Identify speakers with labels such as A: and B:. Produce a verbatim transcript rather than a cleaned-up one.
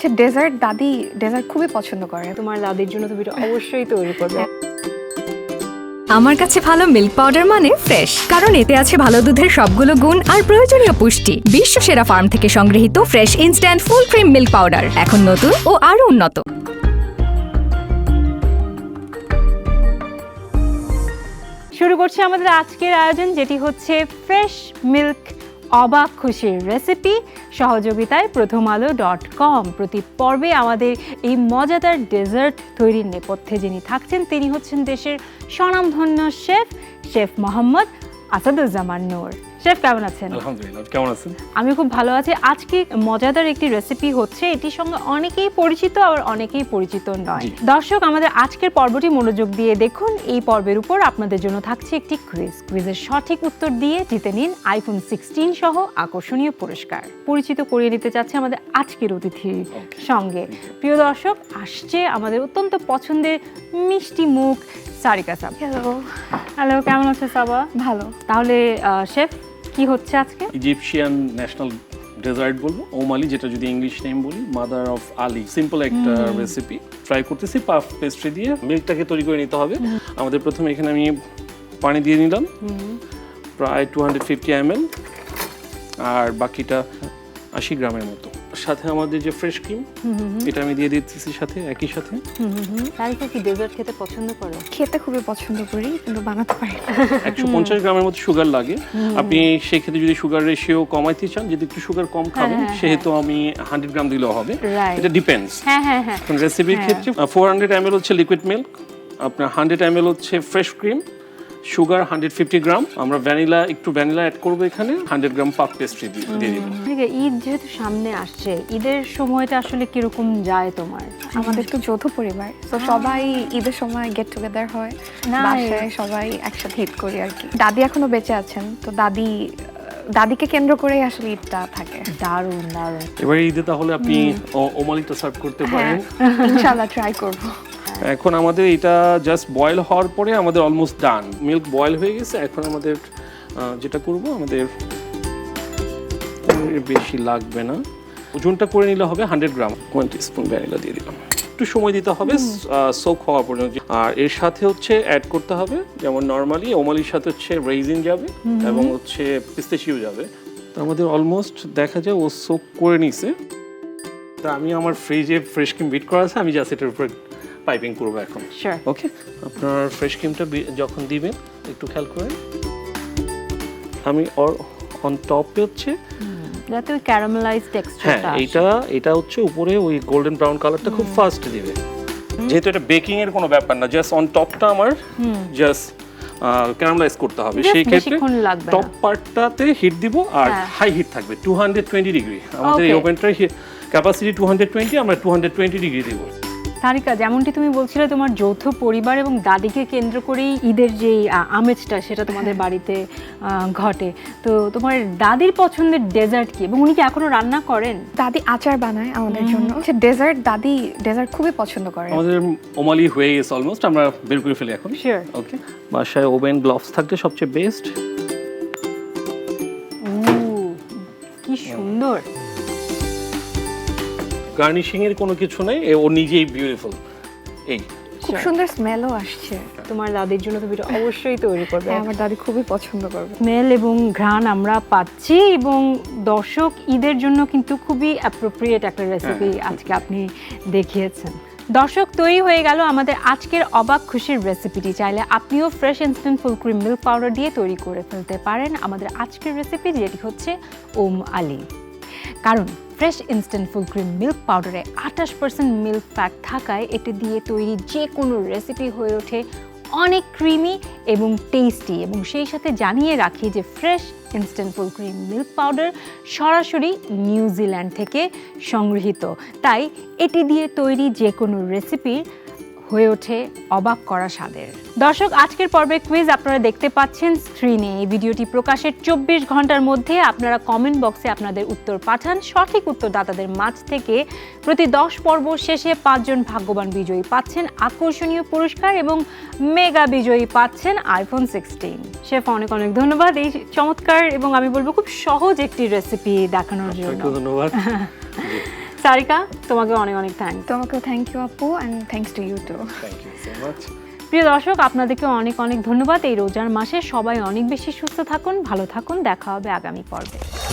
A: আচ্ছা ডেজার্ট দাদি ডেজার্ট খুবই পছন্দ করে।
B: তোমার দাদির জন্য তুমি এটা অবশ্যই তৈরি করবে।
C: আমার কাছে ভালো মিল্ক পাউডার মানে ফ্রেশ, কারণ এতে আছে ভালো দুধের সবগুলো গুণ আর প্রয়োজনীয় পুষ্টি। বিশ্ব সেরা ফার্ম থেকে সংগৃহীত fresh instant full cream milk powder এখন নতুন ও আরো উন্নত।
B: শুরু করছি আমাদের আজকের আয়োজন, যেটি হচ্ছে ফ্রেশ মিল্ক অবাক খুশির রেসিপি, সহযোগিতায় প্রথম আলো ডট কম। প্রতি পর্বে আমাদের এই মজাদার ডেজার্ট তৈরির নেপথ্যে যিনি থাকছেন তিনি হচ্ছেন দেশের স্বনামধন্য chef chef Mohammad Asaduzzaman Noor. Chef কেমন আছেন?
D: আলহামদুলিল্লাহ, কেমন আছেন?
B: আমি খুব ভালো আছি। আজকে মজাদার একটি রেসিপি হচ্ছে, এটির সঙ্গে অনেকেই পরিচিত আবার অনেকেই পরিচিত নয়। দর্শক আমাদের আজকের পর্বটি মনোযোগ দিয়ে দেখুন। এই পর্বের উপর আপনাদের জন্য থাকছে একটি কুইজ। কুইজের সঠিক উত্তর দিয়ে জিতে নিন আইফোন সিক্সটিন সহ আকর্ষণীয় পুরস্কার। পরিচিত করিয়ে নিতে চাচ্ছে আমাদের আজকের অতিথির সঙ্গে। প্রিয় দর্শক, আসছে আমাদের অত্যন্ত পছন্দের মিষ্টি মুখ সারিকা সাবা।
A: হ্যালো
B: হ্যালো, কেমন আছে সাবা?
A: ভালো।
B: তাহলে শেফ কি হচ্ছে আজকে?
D: ইজিপশিয়ান ন্যাশনাল ডেজার্ট বলবো, ওমালি, যেটা যদি ইংলিশ নেম বলি মাদার অফ আলি। সিম্পল একটা রেসিপি ট্রাই করতেছি পাফ পেস্ট্রি দিয়ে। মিল্কটাকে তৈরি করে নিতে হবে আমাদের। প্রথমে এখানে আমি পানি দিয়ে নিলাম প্রায় two hundred fifty M L, আর বাকিটা আশি গ্রামের মতো। সাথে আমাদের যে ফ্রেশ ক্রিম, এটা আমি দিয়ে দিচ্ছি সাথে একই সাথে।
B: সারিকা কি ডেজার্ট খেতে পছন্দ করো?
A: খেতে খুবই পছন্দ করি, কিন্তু বানাতে পারি না।
D: একশো পঞ্চাশ গ্রামের মতো সুগার লাগে। আপনি সেক্ষেত্রে যদি সুগার রেশিও কমাইতে চান, যদি একটু সুগার কম খাবেন সেহেতু আমি হান্ড্রেড গ্রাম দিলেও হবে। এটা ডিপেন্ডস।
B: হ্যাঁ হ্যাঁ হ্যাঁ।
D: রেসিপির ক্ষেত্রে ফোর হান্ড্রেড এম এল হচ্ছে লিকুইড মিল্ক, আপনার হান্ড্রেড এম এল হচ্ছে fresh cream, sugar hundred fifty gram, আমরা ভ্যানিলা একটু ভ্যানিলা অ্যাড করবো এখানে, হান্ড্রেড গ্রাম পাফ পেস্ট্রি দিয়ে দিব।
B: ঈদ যেহেতু সামনে আসছে, ঈদের সময়টা আসলে কিরকম যায় তোমার?
A: আমাদের তো যৌথ পরিবার, তো সবাই ঈদের সময় গেট টুগেদার হয়, বাসায় সবাই একসাথে ঈদ করি আর কি। দাদি এখনো বেঁচে আছেন, তো দাদি দাদিকে কেন্দ্র করেই আসলে ঈদটা থাকে।
B: দারুণ দারুণ।
D: এবারে ঈদে তাহলে আপনি ওমালিটা সার্ভ করতে পারেন।
A: ইনশাআল্লাহ ট্রাই করব।
D: এখন আমাদের এটা জাস্ট বয়েল হওয়ার পরে আমাদের অলমোস্ট ডান, মিল্ক বয়েল হয়ে গেছে। এখন আমাদের যেটা করব, আমাদের বেশি লাগবে না, ওজনটা করে নিলে হবে hundred gram. One teaspoon vanilla দিয়ে দিলাম, একটু সময় দিতে হবে সোক হওয়া পর্যন্ত। আর এর সাথে হচ্ছে অ্যাড করতে হবে, যেমন নর্মালি ওমালির সাথে হচ্ছে রেইজিন যাবে এবং হচ্ছে পিস্তাচিও যাবে। তো আমাদের অলমোস্ট দেখা যায় ও সোক করে নিছে। তা আমি আমার ফ্রিজে ফ্রেশ ক্রিম বিট করা আছে, আমি জাস্ট এটার উপরে পাইপিং করবো এখন। ওকে, আপনার ফ্রেশ ক্রিমটা যখন দিবেন একটু খেয়াল করেন। আমি অন টপে হচ্ছে
B: যাতে ওই ক্যারামেলাইজ টেক্সচারটা,
D: হ্যাঁ এটা এটা হচ্ছে উপরে ওই গোল্ডেন ব্রাউন কালারটা খুব ফাস্ট দিবে। যেহেতু এটা বেকিং এর কোনো ব্যাপার না, জাস্ট অন টপটা আমার জাস্ট ক্যারামেলাইজ করতে হবে। সেই ক্ষেত্রে টপ পার্টটাতে হিট দিব, আর হাই হিট থাকবে টু হান্ড্রেড টোয়েন্টি ডিগ্রি। আমাদের এই ওভেনটার ক্যাপাসিটি টু হান্ড্রেড টোয়েন্টি, আমরা টু হান্ড্রেড টোয়েন্টি ডিগ্রি দিব।
B: সারিকা, যেমনটি তুমি বলছিলে তোমার যৌথ পরিবার এবং দাদিকে কেন্দ্র করেই ঈদের যে আমেজটা সেটা তোমাদের বাড়িতে ঘটে, তো তোমার দাদির পছন্দের ডেজার্ট কি, এবং উনি কি এখনো রান্না করেন?
A: দাদি আচার বানায় আমাদের জন্য। আচ্ছা ডেজার্ট দাদি ডেজার্ট খুবই পছন্দ করে।
D: আমাদের ওমালি হয়ে গেছে অলমোস্ট, আমরা বের করে ফেলি এখন।
B: শিওর।
D: ওকে, বাসায় ওভেন গ্লাভস থাকলে সবচেয়ে বেস্ট।
B: ও কি সুন্দর।
D: গার্নিশিং এর কোনো কিছু নাই, ও নিজেই বিউটিফুল। এই
A: খুব সুন্দর স্মেলও আসছে।
B: তোমার দাদির জন্য তুমি এটা অবশ্যই তৈরি করবে।
A: আমার দাদি খুবই পছন্দ করবে।
B: স্মেল এবং ঘ্রাণ আমরা পাচ্ছি, এবং দর্শক ঈদের জন্য কিন্তু খুবই অ্যাপ্রোপ্রিয়েট একটা রেসিপি আজকে আপনি দেখিয়েছেন। দর্শক, তৈরি হয়ে গেল আমাদের আজকের অবাক খুশির রেসিপিটি। চাইলে আপনিও fresh instant full cream milk powder দিয়ে তৈরি করে ফেলতে পারেন আমাদের আজকের রেসিপি, যেটি হচ্ছে ওম আলি। কারণ fresh instant full cream milk পাউডারে আঠাশ পার্সেন্ট মিল্ক ফ্যাট থাকায় এটি দিয়ে তৈরি যে কোনো রেসিপি হয়ে ওঠে অনেক ক্রিমি এবং টেস্টি। এবং সেই সাথে জানিয়ে রাখি যে fresh instant full cream milk powder সরাসরি নিউজিল্যান্ড থেকে সংগৃহীত, তাই এটি দিয়ে তৈরি যে কোনো রেসিপির হয়ে ওঠে অবাক করা স্বাদের। দর্শক, আজকের পর্বে কুইজ আপনারা দেখতে পাচ্ছেন স্ক্রিনে। এই ভিডিওটি প্রকাশের চব্বিশ ঘন্টার মধ্যে আপনারা কমেন্ট বক্সে আপনাদের উত্তর পাঠান। সঠিক উত্তরদাতাদের মাঝ থেকে প্রতি দশ পর্ব শেষে পাঁচজন ভাগ্যবান বিজয়ী পাচ্ছেন আকর্ষণীয় পুরস্কার, এবং মেগা বিজয়ী পাচ্ছেন আইফোন সিক্সটিন। শেফ, অনেক অনেক ধন্যবাদ এই চমৎকার এবং আমি বলবো খুব সহজ একটি রেসিপি দেখানোর জন্য।
D: ধন্যবাদ।
B: সারিকা, তোমাকে অনেক অনেক থ্যাংক।
A: তোমাকেও থ্যাংক ইউ আপু, and thanks to you too.
D: Thank you so much.
B: প্রিয় দর্শক, আপনাদেরকে অনেক অনেক ধন্যবাদ। এই রোজার মাসে সবাই অনেক বেশি সুস্থ থাকুন, ভালো থাকুন। দেখা হবে আগামী পর্বে।